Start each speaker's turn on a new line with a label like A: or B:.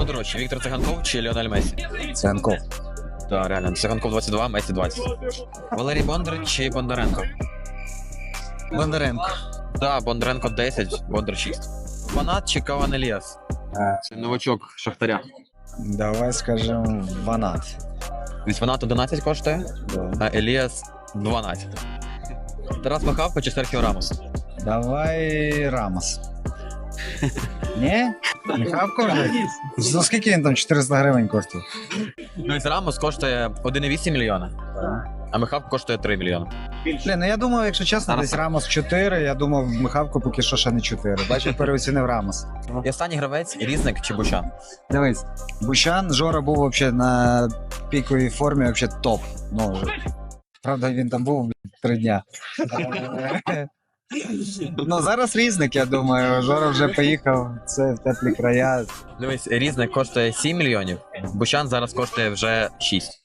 A: дорожче? Віктор Циганков чи Ліонель Месі?
B: Циганков.
A: Так, реально. Циганков 22, Месі 20. Валерій Бондар чи Бондаренко?
B: Бондаренко.
A: Так, Бондаренко 10, Бондар 6. Фанат чи Каван Еліас? Це новачок Шахтаря.
B: Давай скажем Ванат.
A: Тобто Фанат 11 коштує,
B: Да.
A: а Еліас 12. Тарас Махавко чи Серхіо Рамос?
B: Давай Рамос. Ні? Михавко вже? За скільки він там 400 гривень коштує?
A: Тобто Рамос коштує 1,8 мільйона, а Михавко коштує 3 мільйони.
B: Блін, ну я думав, якщо чесно,
A: Зараз.
B: десь Рамос 4, я думав, Михавко поки що ще не 4. Бачу, переоцінив Рамос.
A: І останній гравець Різник чи Бущан?
B: Дивись, Бущан, Жора був взагалі на піковій формі, взагалі топ. Ну, правда, він там був 3 дня. Ну, зараз Різник, я думаю. Жора вже поїхав, це в теплі края.
A: Дивись, Різник коштує 7 мільйонів, Бущан зараз коштує вже 6.